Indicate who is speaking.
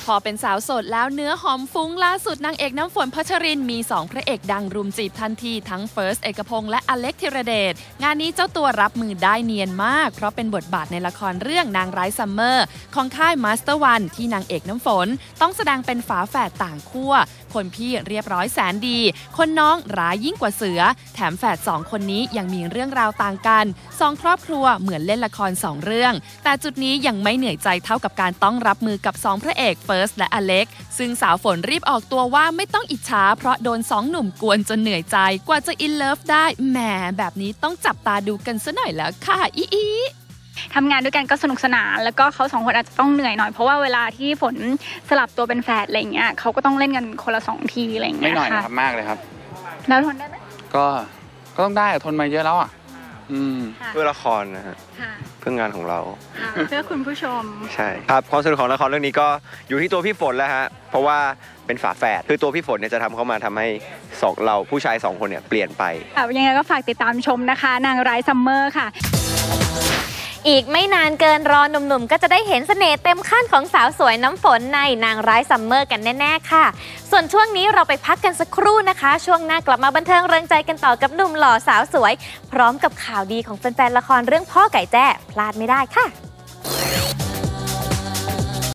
Speaker 1: พอเป็นสาวโสดแล้วเนื้อหอมฟุ้งล่าสุดนางเอกน้ำฝนพัชรินมี2พระเอกดังรุมจีบทันทีทั้งเฟิร์สเอกพงษ์และอเล็กธีรเดชงานนี้เจ้าตัวรับมือได้เนียนมากเพราะเป็นบทบาทในละครเรื่องนางร้ายซัมเมอร์ของค่ายมาสเตอร์วันที่นางเอกน้ำฝนต้องแสดงเป็นฝาแฝดต่างขั้วคนพี่เรียบร้อยแสนดีคนน้องร้ายยิ่งกว่าเสือแถมแฝด2คนนี้ยังมีเรื่องราวต่างกัน2ครอบครัวเหมือนเล่นละคร2เรื่องแต่จุดนี้ยังไม่เหนื่อยใจเท่ากับการต้องรับมือกับ2พระเอกเฟิร์สและอเล็กซึ่งสาวฝนรีบออกตัวว่าไม่ต้องอิจฉาเพราะโดน2หนุ่มกวนจนเหนื่อยใจกว่าจะอินเลิฟได้แหมแบบนี้ต้องจับตาดูกันซะหน่อยแล้วค่ะอี
Speaker 2: ทำงานด้วยกันก็สนุกสนานแล้วก็เขา2คนอาจจะต้องเหนื่อยหน่อยเพราะว่าเวลาที่ฝนสลับตัวเป็นแฝดอะไรเงี้ยเขาก็ต้องเล่นกันคนละ2ทีอะไรเงี้ย
Speaker 3: ไม่หน่อยนะครับมากเลยครับ
Speaker 2: แล้วทนได้ไหม
Speaker 3: ก็ต้องได้ทนมาเยอะแล้วอ่ะ
Speaker 4: เพื่อละครนะฮะเพื่องานของเรา
Speaker 2: เพื่อคุณผู้ชม
Speaker 4: ใช่ครับความสนุกของละครเรื่องนี้ก็อยู่ที่ตัวพี่ฝนแล้วฮะเพราะว่าเป็นฝาแฝดคือตัวพี่ฝนเนี่ยจะทำเข้ามาทำให้เราผู้ชาย2คนเนี่ยเปลี่ยนไป
Speaker 2: ยังไงก็ฝากติดตามชมนะคะนางร้ายซัมเมอร์ค่ะ
Speaker 5: อีกไม่นานเกินรอหนุ่มๆก็จะได้เห็นเสน่ห์เต็มขั้นของสาวสวยน้ำฝนในนางร้ายซัมเมอร์กันแน่ๆค่ะส่วนช่วงนี้เราไปพักกันสักครู่นะคะช่วงหน้ากลับมาบันเทิงเริงใจกันต่อกับหนุ่มหล่อสาวสวยพร้อมกับข่าวดีของแฟนๆละครเรื่องพ่อไก่แจ้พลาดไม่ได้ค่ะ